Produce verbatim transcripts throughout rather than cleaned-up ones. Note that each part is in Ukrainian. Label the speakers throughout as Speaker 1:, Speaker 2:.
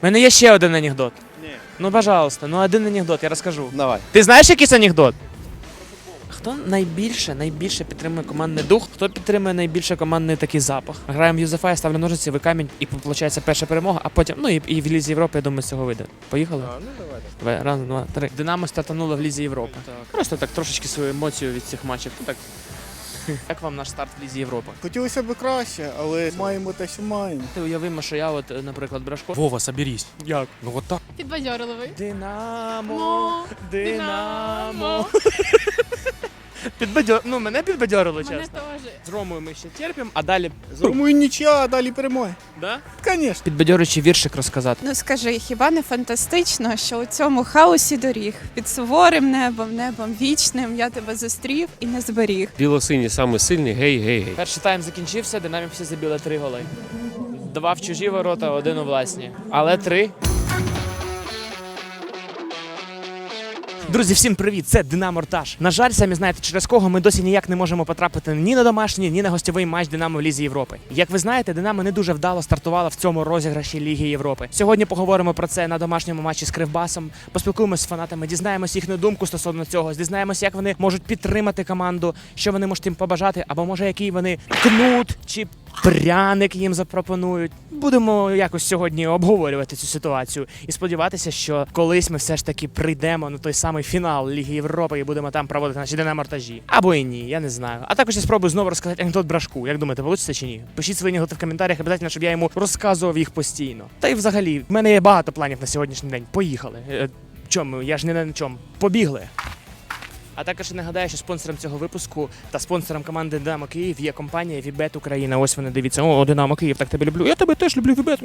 Speaker 1: мене є ще один анекдот.
Speaker 2: Ні.
Speaker 1: Ну, пожалуйста, ну один анекдот, я розкажу.
Speaker 2: Давай.
Speaker 1: Ти знаєш якийсь анекдот? Хто найбільше, найбільше підтримує командний дух? Хто підтримує найбільше командний такий запах? Граємо в Юзефа, я ставлю ножиці, ви камінь, і виходить перша перемога, а потім, ну і, і в Лізі Європи, я думаю, з цього вийде. Поїхали?
Speaker 2: А, ну давай.
Speaker 1: Давай, раз, два, три. Динамо стартануло в Лізі Європи.
Speaker 2: Так.
Speaker 1: Просто так трошечки свою емоцію від цих матчів. Ну, так. Як вам наш старт в Лізі Європи?
Speaker 2: Хотілося б краще, але маємо те, що маємо.
Speaker 1: Ти уявимо, що я, от, наприклад, Брашко.
Speaker 3: Вова, соберись.
Speaker 1: Як?
Speaker 3: Ну вот так.
Speaker 4: Підбадьорливий.
Speaker 1: Динамо,
Speaker 4: Мо,
Speaker 1: Динамо. Підбадьор... Ну, мене підбадьорило,
Speaker 4: Мене
Speaker 1: чесно.
Speaker 4: теж.
Speaker 1: З Ромою ми ще терпимо, а далі...
Speaker 2: Думаю, нічия, а далі перемоги.
Speaker 1: Да?
Speaker 2: Звісно.
Speaker 1: Підбадьорюючий віршик розказати.
Speaker 5: Ну скажи, хіба не фантастично, що у цьому хаосі доріг під суворим небом, небом вічним я тебе зустрів і не зберіг.
Speaker 6: Білосині саме сильний, гей, гей, гей.
Speaker 1: Перший тайм закінчився, Динамо всі забили три голи. Два в чужі ворота, один у власні. Але три. Друзі, всім привіт! Це Динамо Ртаж. На жаль, самі знаєте, через кого ми досі ніяк не можемо потрапити ні на домашній, ні на гостьовий матч Динамо в Лізі Європи. Як ви знаєте, Динамо не дуже вдало стартувала в цьому розіграші Ліги Європи. Сьогодні поговоримо про це на домашньому матчі з Кривбасом, поспілкуємося з фанатами, дізнаємося їхню думку стосовно цього, дізнаємося, як вони можуть підтримати команду, що вони можуть їм побажати, або може який вони кнут чи пряник їм запропонують. Будемо якось сьогодні обговорювати цю ситуацію і сподіватися, що колись ми все ж таки прийдемо на той самий фінал Ліги Європи і будемо там проводити наші Динамо-Ртажі. Або і ні, я не знаю. А також я спробую знову розказати анекдот Брашку. Як думаєте, вийде чи ні? Пишіть свої анекдоти в коментарях, обов'язково, щоб я йому розказував їх постійно. Та й взагалі, в мене є багато планів на сьогоднішній день. Поїхали. Е, Чому? Я ж не на чому. Побігли. А також я нагадаю, що спонсором цього випуску та спонсором команди Динамо Київ є компанія Вібет Україна. Ось вони, дивіться. О, Динамо Київ, так тебе люблю. Я тебе теж люблю, Вібет.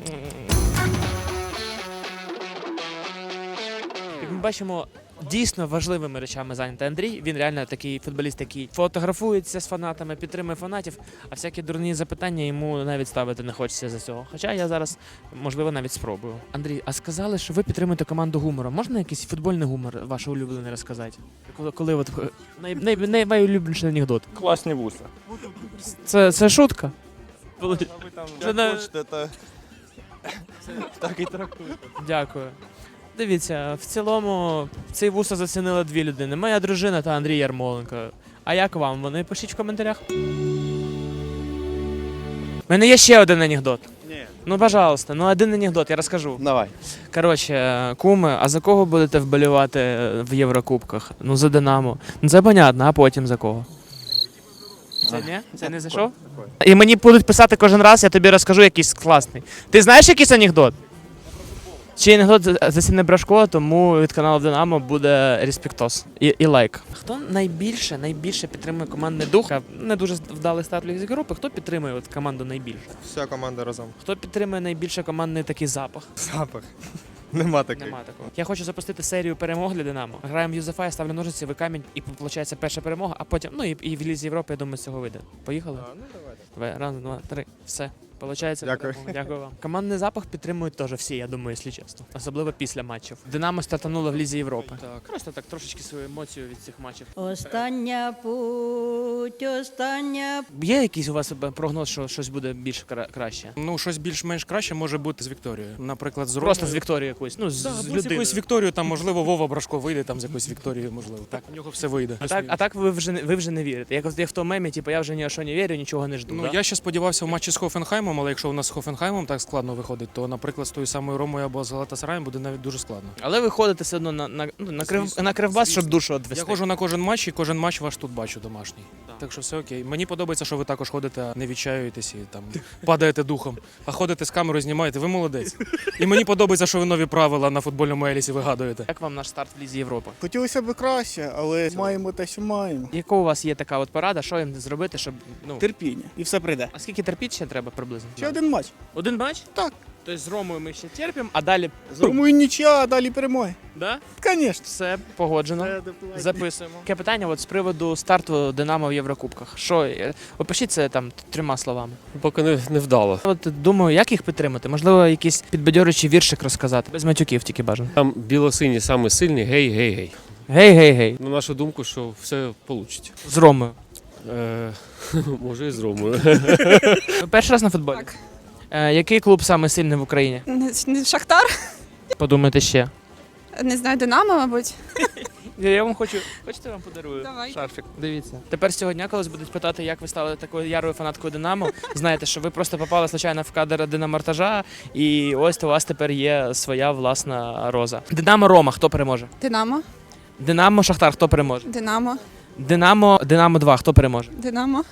Speaker 1: Як ми бачимо, дійсно важливими речами зайнятий Андрій. Він реально такий футболіст, який фотографується з фанатами, підтримує фанатів, а всякі дурні запитання йому навіть ставити не хочеться за цього. Хоча я зараз, можливо, навіть спробую. Андрій, а сказали, що ви підтримуєте команду гумором. Можна якийсь футбольний гумор ваш улюблений розказати? Коли, коли от най, най, най, найулюбленіший анекдот?
Speaker 7: Класні вуса.
Speaker 1: Це, це шутка?
Speaker 7: А ви там як
Speaker 1: не-
Speaker 7: хочете, то так і трактуйте.
Speaker 1: Дякую. Дивіться, в цілому цей вуса зацінили дві людини. Моя дружина та Андрій Ярмоленко. А як вам? Вони пишіть в коментарях. У мене є ще один анекдот.
Speaker 2: Ні.
Speaker 1: Ну, пожалуйста, ну один анекдот, я розкажу.
Speaker 2: Давай.
Speaker 1: Коротше, куми, а за кого будете вболівати в Єврокубках? Ну, за Динамо. Ну, це понятно, а потім за кого? Це ні? Це не зайшов? І мені будуть писати кожен раз, я тобі розкажу якийсь класний. Ти знаєш якийсь анекдот? Чи анекдот засіне Брашко, тому від каналу Динамо буде респектос і, і лайк. Хто найбільше, найбільше підтримує командний дух? Не дуже вдалий старт Ліги Європи. Хто підтримує от команду найбільше?
Speaker 7: Вся команда разом.
Speaker 1: Хто підтримує найбільше командний такий запах?
Speaker 7: Запах. Нема таких.
Speaker 1: Нема такого. Я хочу запустити серію перемог для Динамо. Граємо в Юзефа, я ставлю ножиці, ви камінь, і виходить перша перемога, а потім, ну і, і в Лізі Європи, я думаю, з цього вийде. Поїхали?
Speaker 7: А, ну давай.
Speaker 1: Давай, раз, два, три, все. Получається,
Speaker 7: Дякую.
Speaker 1: перемога. Дякую вам. Командний запах підтримують теж всі, я думаю, якщо чесно. Особливо після матчів. Динамо стартануло в Лізі Європи.
Speaker 3: Так.
Speaker 1: Просто так трошечки свою емоцію від цих матчів.
Speaker 8: Остання путь, остання.
Speaker 1: Є якийсь у вас прогноз, що щось буде більш кра- краще?
Speaker 3: Ну, щось більш-менш краще може бути з Вікторією. Наприклад, з
Speaker 1: Просто з
Speaker 3: Ромою.
Speaker 1: Вікторією якоюсь, ну, з,
Speaker 3: Да,
Speaker 1: з
Speaker 3: або з
Speaker 1: людиною.
Speaker 3: якоюсь Вікторією, там, можливо, Вова Брашко вийде там з якоюсь Вікторією, можливо. Так, у нього все вийде.
Speaker 1: А так, а так ви вже не ви вже не вірите. Як, як в тому мемі, типу, я вже ні о що не вірю, нічого не жду.
Speaker 3: Ну,
Speaker 1: да?
Speaker 3: я ще сподівався в матчі з Хофенхаймом, але якщо у нас з Хофенхаймом так складно виходить, то, наприклад, з тою самою Ромою або з Галатасараєм буде навіть дуже складно.
Speaker 1: Але ви ходите все одно на, на, ну, на, крив,
Speaker 3: Звісно,
Speaker 1: на Кривбас, щоб
Speaker 3: звісно.
Speaker 1: душу відвести.
Speaker 3: Я ходжу на кожен матч і кожен матч ваш тут бачу домашній.
Speaker 1: Так.
Speaker 3: Так що все окей. Мені подобається, що ви також ходите, не відчаюєтесь і там падаєте духом, а ходите з камерою, знімаєте. Ви молодець. І мені подобається, що ви нові правила на футбольному елісі вигадуєте.
Speaker 1: Як вам наш старт в Лізі Європи?
Speaker 2: Хотілося б краще, але маємо те, що маємо.
Speaker 1: Яка у вас є така от порада, що їм зробити, щоб ну
Speaker 2: Терпіння. І все прийде.
Speaker 1: а скільки терпіть ще треба приблизно?
Speaker 2: Ще один матч.
Speaker 1: Один матч?
Speaker 2: Так.
Speaker 1: Тобто з Ромою ми ще терпимо, а далі
Speaker 2: Думаю, нічия, а далі перемоги.
Speaker 1: да?
Speaker 2: Звісно.
Speaker 1: Все погоджено. Записуємо. Таке питання от з приводу старту Динамо в Єврокубках. Що е, опишіть це там трьома словами.
Speaker 6: Поки не, не вдало.
Speaker 1: От думаю, як їх підтримати? Можливо, якийсь підбадьорюючий віршик розказати. Без матюків тільки бажано.
Speaker 6: Там білосині саме сильний, гей, гей, гей.
Speaker 1: Гей, гей, гей.
Speaker 6: На нашу думку, що все вийде.
Speaker 1: З Ромою.
Speaker 6: Е, може і з Ромою.
Speaker 1: Ви перший раз на футболі?
Speaker 5: Так.
Speaker 1: Е, який клуб саме сильний в Україні?
Speaker 5: Не, не Шахтар,
Speaker 1: Подумайте ще.
Speaker 5: не знаю, Динамо, мабуть.
Speaker 1: Я, я вам хочу. Хочете, я вам подарую
Speaker 5: Давай.
Speaker 1: шарфік? Дивіться. Тепер сьогодні, коли будуть питати, як ви стали такою ярою фанаткою Динамо, знаєте, що ви просто попали случайно в кадр динамортажа, і ось у вас тепер є своя власна роза. Динамо Рома, хто переможе?
Speaker 5: Динамо,
Speaker 1: Динамо Шахтар, хто переможе?
Speaker 5: Динамо,
Speaker 1: Динамо, Динамо два, хто переможе?
Speaker 5: Динамо.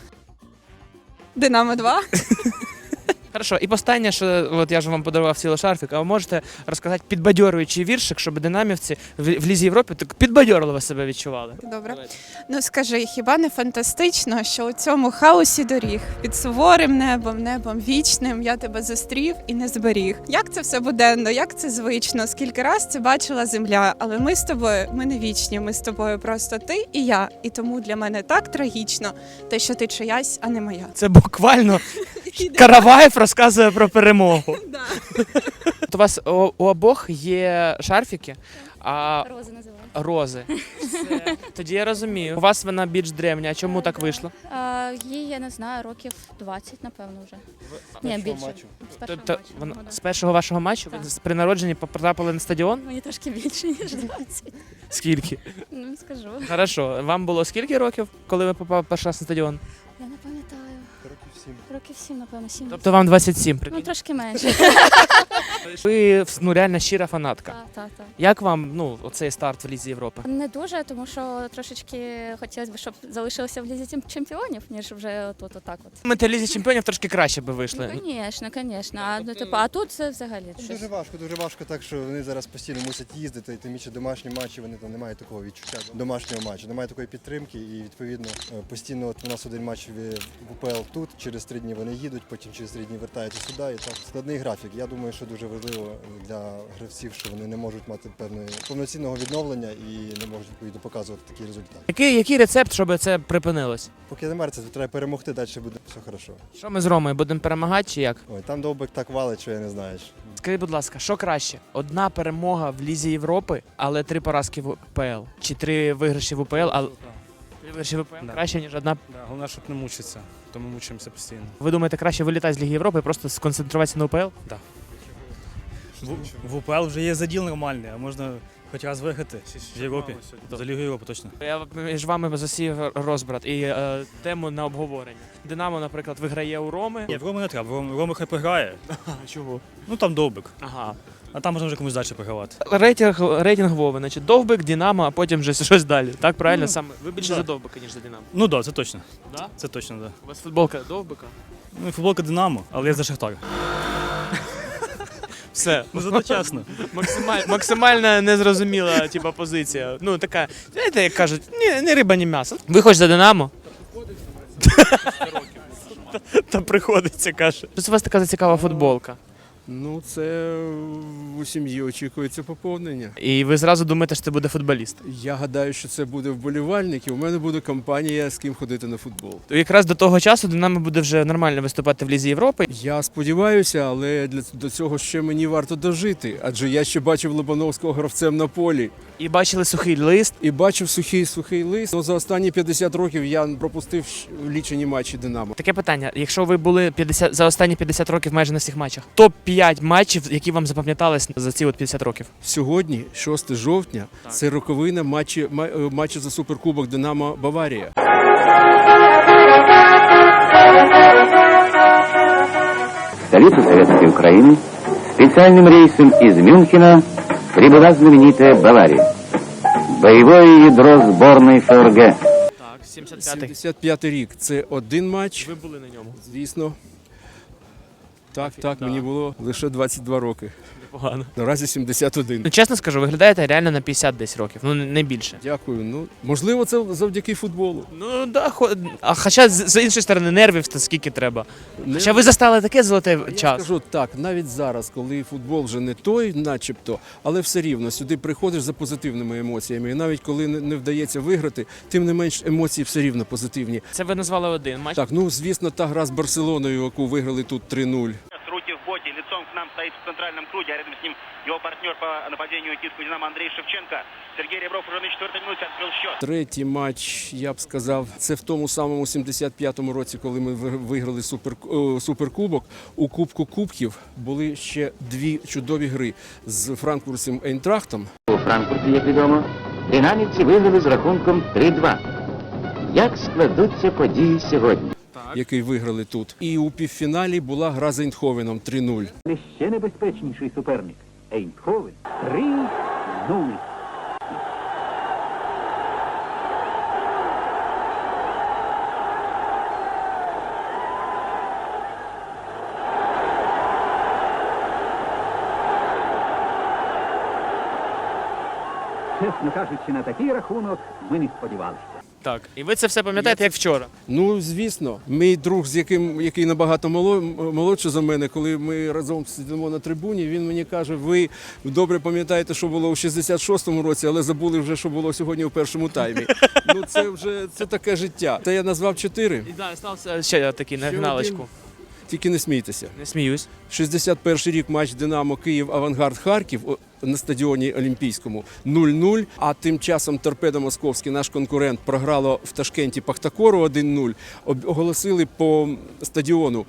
Speaker 5: Динамо два.
Speaker 1: Хорошо, і останнє, що от я ж вам подарував цілий шарфік, а ви можете розказати підбадьорюючий віршик, щоб динамівці в, в Лізі Європи так підбадьорливо себе відчували.
Speaker 5: Добре. Ну скажи, хіба не фантастично, що у цьому хаосі доріг під суворим небом, небом вічним я тебе зустрів і не зберіг. Як це все буденно, як це звично? Скільки раз це бачила земля, але ми з тобою, ми не вічні, ми з тобою просто ти і я. І тому для мене так трагічно, те, що ти чиясь, а не моя.
Speaker 1: Це буквально Караваєв розказує про перемогу.
Speaker 5: Да.
Speaker 1: От у вас у, у обох є шарфіки, а
Speaker 4: Рози називають.
Speaker 1: рози. Все. Тоді я розумію. У вас вона більш древня. А чому так вийшло?
Speaker 4: А, їй, я не знаю, років двадцять, напевно, вже. Ні, більше. З першого
Speaker 1: Тобто
Speaker 4: матчу,
Speaker 1: вона
Speaker 4: ну, да.
Speaker 1: з першого вашого матчу ви
Speaker 4: Так.
Speaker 1: з- при народженні потрапили на стадіон?
Speaker 4: Мені трошки більше, ніж двадцять.
Speaker 1: Скільки?
Speaker 4: Ну, скажу.
Speaker 1: Хорошо. Вам було скільки років, коли ви попали перший раз на стадіон?
Speaker 4: Я не пам'ятаю. Років сім. Років сім, напевно, сім.
Speaker 1: Тобто вам двадцять сім,
Speaker 4: Ну,
Speaker 1: прикинь.
Speaker 4: трошки менше.
Speaker 1: Ви ну, реально щира фанатка.
Speaker 4: Так, так, так.
Speaker 1: Як вам ну, оцей старт в Лізі Європи?
Speaker 4: Не дуже, тому що трошечки хотілося б, щоб залишилося в лізі тім- чемпіонів, ніж вже тут отак от.
Speaker 1: Ми та Лізі чемпіонів трошки краще би вийшли.
Speaker 4: Ну, звісно, звісно. А, ну, типу, а тут це взагалі щось.
Speaker 9: Дуже важко, дуже важко, так що вони зараз постійно мусять їздити, і тим більше домашні матчі, вони там не мають такого відчуття домашнього матчу, немає такої підтримки, і відповідно е, постійно от у нас один матч в в УПЛ тут, через три дні вони їдуть, потім через три дні вертаються сюди. І так складний графік. Я думаю, що дуже важливо для гравців, що вони не можуть мати певної повноцінного відновлення і не можуть відповідно показувати такий результат.
Speaker 1: Який, який рецепт, щоб це припинилось?
Speaker 9: Поки немає це, треба перемогти, далі буде все хорошо.
Speaker 1: Що ми з Ромою будемо перемагати чи як?
Speaker 9: Ой, там довбик так валить, що я не знаю.
Speaker 1: Скажіть, будь ласка, що краще? Одна перемога в Лізі Європи, але три поразки в УПЛ? Чи три виграші в УПЛ, але три виграші в УПЛ
Speaker 3: Да.
Speaker 1: краще, ніж одна?
Speaker 3: Да, головне, щоб не мучитися, то ми мучимося постійно.
Speaker 1: Ви думаєте, краще вилітати з Ліги Європи і просто сконцентруватися на УПЛ?
Speaker 10: В, в УПЛ вже є заділ нормальний, а можна хоч раз виграти в Європі. За Лігу Європи точно.
Speaker 1: Я між вами засів розбрат і е, тему на обговорення. Динамо, наприклад, виграє у Роми.
Speaker 10: Ні, в Рому не треба, в Рому, Рома хай програє.
Speaker 1: Чого?
Speaker 10: Ну там довбик,
Speaker 1: Ага.
Speaker 10: а там можна вже комусь далі програвати.
Speaker 1: Рейтинг, рейтинг Вови, значить, Довбик, Динамо, а потім вже щось далі. Так, правильно?
Speaker 10: Ну,
Speaker 1: Саме ви більше
Speaker 10: да.
Speaker 1: за Довбика, ніж за Динамо.
Speaker 10: Ну так, да, це точно.
Speaker 1: Да?
Speaker 10: Це точно, так. Да.
Speaker 1: У вас футболка Довбика?
Speaker 10: Ну і футболка Динамо, але я за Шахтар.
Speaker 1: Все.
Speaker 10: Ну зато чесно.
Speaker 1: Максималь, максимально незрозуміла типа, позиція. Ну, така, знаєте, як кажуть, ні, не риба, ні м'ясо. Ви хоч за Динамо? Та приходиться, каже. Що у вас така цікава футболка?
Speaker 11: Ну, це у сім'ї очікується поповнення.
Speaker 1: І ви зразу думаєте, що це буде футболіст?
Speaker 11: Я гадаю, що це буде вболівальник, і у мене буде компанія, з ким ходити на футбол.
Speaker 1: То якраз до того часу Динамо буде вже нормально виступати в Лізі Європи.
Speaker 11: Я сподіваюся, але для до цього ще мені варто дожити, адже я ще бачив Лобановського гравцем на полі.
Speaker 1: І бачили сухий лист.
Speaker 11: І бачив сухий сухий лист. Ну, за останні п'ятдесят років я пропустив щ- лічені матчі Динамо.
Speaker 1: Таке питання: якщо ви були п'ятдесят за останні п'ятдесят років майже на всіх матчах, топ п'ять матчів, які вам запам'ятались за ці от п'ятдесят років.
Speaker 11: Сьогодні, шостого жовтня,
Speaker 1: Так.
Speaker 11: це роковина матчі, ма- е, матчу за суперкубок Динамо Баварія.
Speaker 12: В столицу Советской Украины специальным рейсом из Мюнхена прибыла знаменитая Бавария. Боевое ядро сборной ФРГ.
Speaker 1: Так, сімдесят п'ятий.
Speaker 11: сімдесят п'ятий рік. Це один матч.
Speaker 1: Ви були на ньому.
Speaker 11: Звісно. Так,
Speaker 1: Офі-
Speaker 11: так,
Speaker 1: да.
Speaker 11: мені було лише двадцять два роки.
Speaker 1: Непогано.
Speaker 11: Наразі сімдесят один.
Speaker 1: Ну, чесно скажу, виглядаєте реально на п'ятдесят десь років, ну не більше.
Speaker 11: Дякую. Ну, можливо, це завдяки футболу.
Speaker 1: Ну да, хо... а хоча з, з іншої сторони нервів то скільки треба.
Speaker 11: Не-
Speaker 1: Хоча ви застали таке золоте
Speaker 11: Я
Speaker 1: час.
Speaker 11: скажу так, навіть зараз, коли футбол вже не той, начебто, але все рівно сюди приходиш за позитивними емоціями. І навіть коли не не вдається виграти, тим не менш емоції все рівно позитивні.
Speaker 1: Це ви назвали один матч.
Speaker 11: Так, ну звісно, та гра з Барселоною, яку виграли тут три нуль.
Speaker 13: Руки в боки. вороте. Лицом к нам стоит в центральном круге, а рядом с ним его партнер по нападению киевского «Динамо» Андрей Шевченко. Сергей Ребров уже на четвертой минуте открыл счет.
Speaker 11: Третій матч, я б сказав, це в тому самому сімдесят п'ятому році, коли ми ви- виграли супер, о, суперкубок. У Кубку Кубків були ще дві чудові гри з франкфуртським Ейнтрахтом.
Speaker 12: У Франкфурті, як відомо, динамівці виграли з рахунком три-два. Як складуться події сьогодні?
Speaker 11: Який виграли тут. І у півфіналі була гра з Ейндховеном три нуль.
Speaker 12: Ще небезпечніший суперник – Ейндховен. три-нуль. Чесно кажучи, на такий рахунок ми не сподівалися.
Speaker 1: Так, і ви це все пам'ятаєте, як вчора.
Speaker 11: Ну, звісно, мій друг, з яким який набагато моло- молодший за мене, коли ми разом сидимо на трибуні, він мені каже: ви добре пам'ятаєте, що було у шістдесят шостому році, але забули вже, що було сьогодні у першому таймі. Ну, це вже це таке життя. Та я назвав чотири.
Speaker 1: І да, стався ще такий на
Speaker 11: Ще
Speaker 1: фіналочку.
Speaker 11: один. Тільки не смійтеся.
Speaker 1: Не сміюсь.
Speaker 11: шістдесят перший рік матч Динамо Київ Авангард Харків о, на стадіоні Олімпійському нуль нуль, а тим часом Торпедо Московський, наш конкурент, програло в Ташкенті Пахтакору один нуль. Об- Оголосили по стадіону,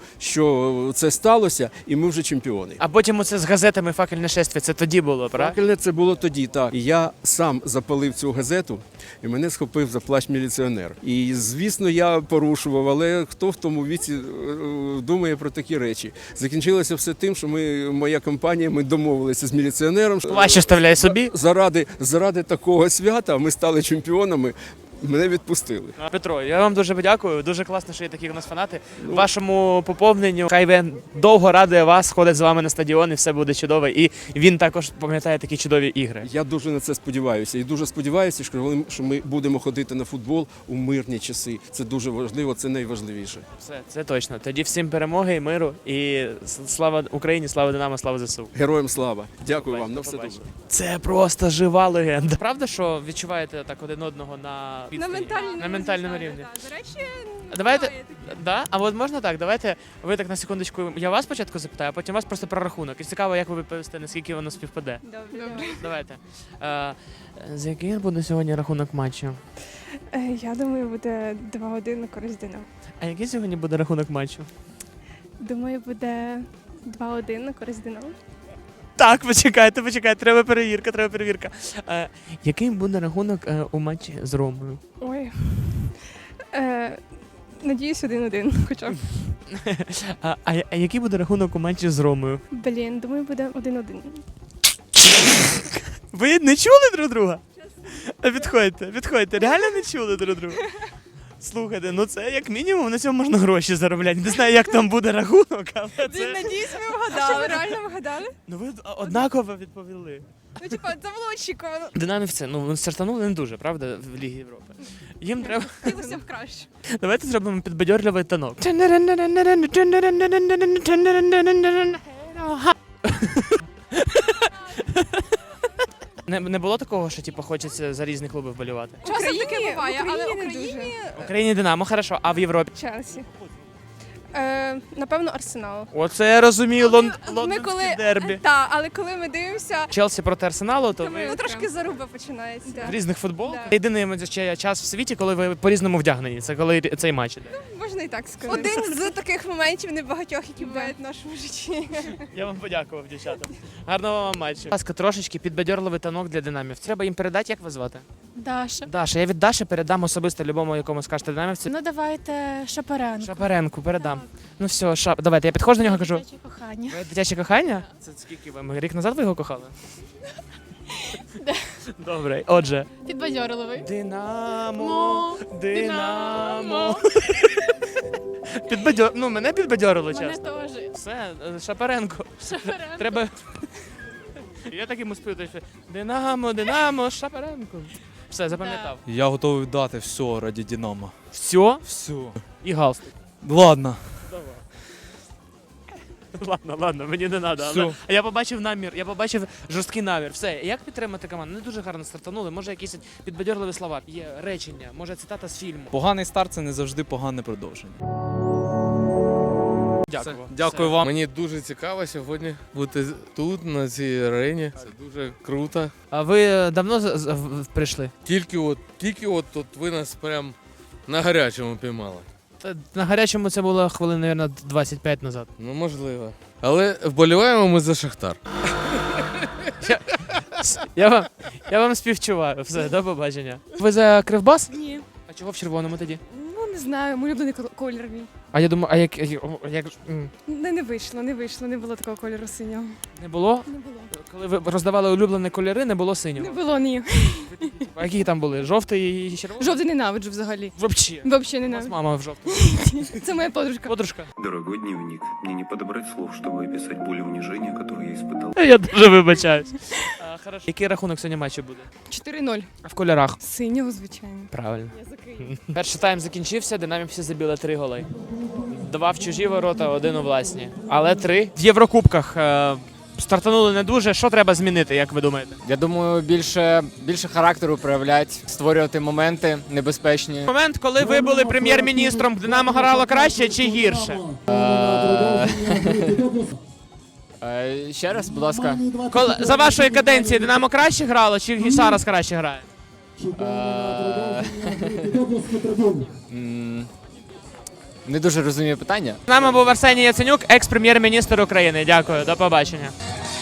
Speaker 11: що це сталося, і ми вже чемпіони.
Speaker 1: А потім оце з газетами «Факельне шествие», це тоді було, правда?
Speaker 11: Факельне це було тоді, так. І я сам запалив цю газету, і мене схопив за плащ міліціонер. І, звісно, я порушував, але хто в тому віці е, думає про такі речі? Закінчилося все тим, що ми, моя компанія, ми домовилися з міліціонером.
Speaker 1: Плащ оставляй собі.
Speaker 11: Заради, заради такого свята ми стали чемпіонами, мене відпустили.
Speaker 1: Петро, я вам дуже дякую. Дуже класно, що є такі у нас фанати. Вашому поповненню хай він довго радує вас, ходить з вами на стадіон, і все буде чудово. І він також пам'ятає такі чудові ігри.
Speaker 11: Я дуже на це сподіваюся. І дуже сподіваюся, що коли- що ми будемо ходити на футбол у мирні часи. Це дуже важливо, це найважливіше.
Speaker 1: Все, це точно. Тоді всім перемоги і миру. І слава Україні, слава Динамо, слава ЗСУ.
Speaker 11: Героям слава. Дякую вам. На
Speaker 1: До
Speaker 11: все
Speaker 1: побачення.
Speaker 11: добре.
Speaker 1: Це просто жива легенда. Правда, що відчуваєте так один одного на
Speaker 5: На
Speaker 1: відстані?
Speaker 5: ментальному,
Speaker 1: на ментальному рівні?
Speaker 5: До речі,
Speaker 1: Давайте, да? А от можна так, давайте ви так на секундочку, я вас спочатку запитаю, а потім вас просто про рахунок. І цікаво, як ви відповісте, наскільки воно співпаде.
Speaker 5: добре.
Speaker 1: Давайте. Е, з яким буде сьогодні рахунок матчу?
Speaker 5: Я думаю, буде два один на користь Динамо.
Speaker 1: А який сьогодні буде рахунок матчу?
Speaker 5: Думаю, буде два один на користь Динамо.
Speaker 1: Так, почекайте, почекайте, треба перевірка, треба перевірка. Е, який буде рахунок е, у матчі з Ромою?
Speaker 5: Ой. Е, надіюсь, один один хоча б.
Speaker 1: А, а, а який буде рахунок у матчі з Ромою?
Speaker 5: Блін, думаю, буде один один.
Speaker 1: Ви не чули друг друга? Відходьте, відходьте, реально не чули друг друга. Слухайте, ну це як мінімум на цьому можна гроші заробляти. Не знаю, як там буде рахунок, але це...
Speaker 5: Надіюсь, ви вгадали. Реально вгадали?
Speaker 1: Ну ви однаково відповіли.
Speaker 5: Ну, типа, це було очікувано.
Speaker 1: Динамівці, ну стартанули не дуже, правда, в Лігі Європи. Їм треба...
Speaker 5: Хотілося б краще.
Speaker 1: Давайте зробимо підбадьорливий танок. Не, не було такого, що типу, хочеться за різні клуби вболівати?
Speaker 5: Часом таке буває, але в Україні...
Speaker 1: В Україні Динамо, хорошо, а в Європі?
Speaker 5: Челсі. Е, напевно, Арсенал.
Speaker 1: Оце я розумію, лон...
Speaker 5: Ми
Speaker 1: лондонське
Speaker 5: коли...
Speaker 1: дербі.
Speaker 5: Так, але коли ми дивимося,
Speaker 1: Челсі проти Арсеналу, то ви
Speaker 5: ну, трошки заруба починається.
Speaker 1: в різних футболках.
Speaker 5: Да.
Speaker 1: Єдиний ще час в світі, коли ви по-різному вдягнені. Це коли цей матч іде.
Speaker 5: Можна і так сказати. Один з таких моментів небагатьох, які бувають в нашому житті.
Speaker 1: Я вам подякував, дівчата. Гарного вам матчу. Будь ласка, трошечки підбадьорливий танок для динамів. Треба їм передати, як вас звати?
Speaker 4: Даша.
Speaker 1: Даша, я від Даші передам особисто любому, якому скажете динамівці.
Speaker 4: Ну давайте Шапаренко.
Speaker 1: Шапаренку передам. Ну все, шап. Давайте, я підходжу до нього і кажу.
Speaker 4: Дитяче кохання.
Speaker 1: Ви дитяче кохання? Це скільки ви? Рік назад ви його кохали? Добре, отже.
Speaker 4: Підбадьорливий.
Speaker 1: Динамо, Динамо. Підбадьор... Ну, мене підбадьорило
Speaker 4: Мене
Speaker 1: часто.
Speaker 4: теж.
Speaker 1: Все, Шапаренко.
Speaker 4: Шапаренко.
Speaker 1: Треба. Я так йому спів, що Динамо, Динамо, Шапаренко. Все, запам'ятав.
Speaker 7: Я готовий дати все раді Динамо.
Speaker 1: Все?
Speaker 7: Все.
Speaker 1: І галстук.
Speaker 7: Ладно.
Speaker 1: Ладно, ладно, мені не треба.
Speaker 7: Всьо.
Speaker 1: Але я побачив намір, я побачив жорсткий намір. Все, як підтримати команду? Не дуже гарно стартанули. Може, якісь підбадьорливі слова, є речення, може цитата з фільму.
Speaker 7: Поганий старт це не завжди погане продовження.
Speaker 1: Дякую.
Speaker 3: Дякую вам. Мені дуже цікаво сьогодні бути тут, на цій арені. Це дуже круто.
Speaker 1: А ви давно з- з- в- прийшли?
Speaker 3: Тільки от, тільки от тут ви нас прям на гарячому піймали.
Speaker 1: Та на гарячому це було хвилин, мабуть, двадцять п'ять назад.
Speaker 3: Ну, можливо. Але вболіваємо ми за Шахтар.
Speaker 1: Я вам, я вам співчуваю. Все, до побачення. Ви за Кривбас?
Speaker 14: Ні.
Speaker 1: А чого в червоному тоді?
Speaker 14: Ну, не знаю, мій улюблений кол- колір мій.
Speaker 1: А я думаю, а як, як, як м,
Speaker 14: Не, не вийшло, не вийшло, не було такого кольору синього.
Speaker 1: не було?
Speaker 14: Не було.
Speaker 1: Коли ви роздавали улюблені кольори, не було синього.
Speaker 14: Не було, ні.
Speaker 1: А які там були? Жовтий і червоний?
Speaker 14: Жовтий ненавиджу взагалі.
Speaker 1: Взагалі.
Speaker 14: Взагалі
Speaker 1: У нас
Speaker 14: ненавиджу.
Speaker 1: мама в жовтому.
Speaker 14: Це моя подружка.
Speaker 1: Подружка.
Speaker 15: Дорогой дневник, мне не подобрать слов, чтобы описать боль и унижение, которые я испытал.
Speaker 1: Я дуже вибачаюсь. А, хорошо. Який рахунок сьогодні матчу буде?
Speaker 14: чотири нуль.
Speaker 1: А в кольорах?
Speaker 14: Синього, звичайно.
Speaker 1: Правильно.
Speaker 14: Я за Київ.
Speaker 1: Перший тайм закінчився, динамівці забили три голи. Два в чужі ворота, один у власні. Але три. В Єврокубках е, стартанули не дуже. Що треба змінити, як ви думаєте?
Speaker 7: Я думаю, більше, більше характеру проявляти, створювати моменти небезпечні.
Speaker 1: Момент, коли ви були прем'єр-міністром, Динамо грало краще чи гірше?
Speaker 7: Е, Ще раз, будь ласка.
Speaker 1: Коли, за вашої каденції Динамо краще грало чи зараз краще грає?
Speaker 7: Е, м, Не дуже розумію питання.
Speaker 1: З нами був Арсеній Яценюк, екс-прем'єр-міністр України. Дякую, до побачення.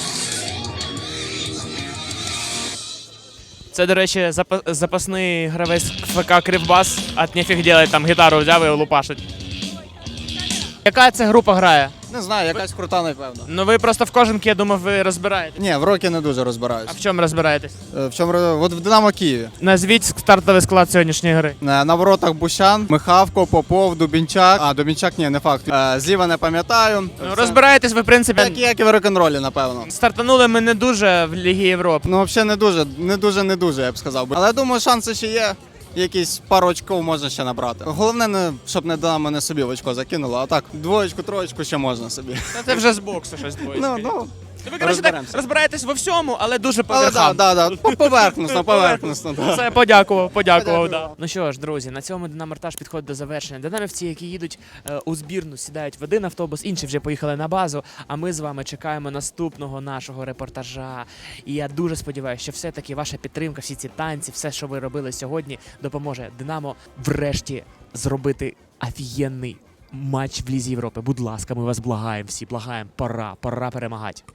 Speaker 1: Це, до речі, запа- запасний гравець ФК Кривбас, а нефіг делать, там гітару взяв і лупашить. Яка це група грає?
Speaker 16: Не знаю, якась крута, напевно.
Speaker 1: Ну ви просто в кожанки, я думав, ви розбираєте.
Speaker 16: Ні, в рокі не дуже
Speaker 1: А
Speaker 16: розбираюсь.
Speaker 1: в чому розбираєтесь?
Speaker 16: Е, В чому роз- от в Динамо Києві.
Speaker 1: Назвіть стартовий склад сьогоднішньої гри.
Speaker 16: Е, На воротах Бущан, Михавко, Попов, Дубінчак. А, Дубінчак, ні, не факт. Е, Зліва не пам'ятаю.
Speaker 1: Ну,
Speaker 16: Все.
Speaker 1: розбираєтесь ви, в принципі.
Speaker 16: Як, як і в рок-н-ролі, напевно.
Speaker 1: Стартанули ми не дуже в Лігі Європи.
Speaker 16: Ну, взагалі не дуже, не дуже, не дуже, я б сказав. би. Але думаю, шанси ще є. Якісь пару очків можна ще набрати. Головне, не, щоб не Динамо не собі в очко закинуло, а так, двоєчку, троєчку ще можна собі.
Speaker 1: Та це вже з боксу щось двоє.
Speaker 16: Ну, ну,
Speaker 1: Ви, коротше, так
Speaker 16: розберемося.
Speaker 1: розбираєтесь во всьому, але дуже по
Speaker 16: але
Speaker 1: верхам.
Speaker 16: да, да, да, по- поверхносно, поверхносно. Да.
Speaker 1: Все, подякував, подякував. Да. Ну що ж, друзі, на цьому Динамортаж підходить до завершення. Динамівці, які їдуть е, у збірну, сідають в один автобус, інші вже поїхали на базу. А ми з вами чекаємо наступного нашого репортажа. І я дуже сподіваюся, що все-таки ваша підтримка, всі ці танці, все, що ви робили сьогодні, допоможе Динамо врешті зробити офігенний матч в Лізі Європи. Будь ласка, ми вас благаємо всі, благаємо. Пора, пора перемагати.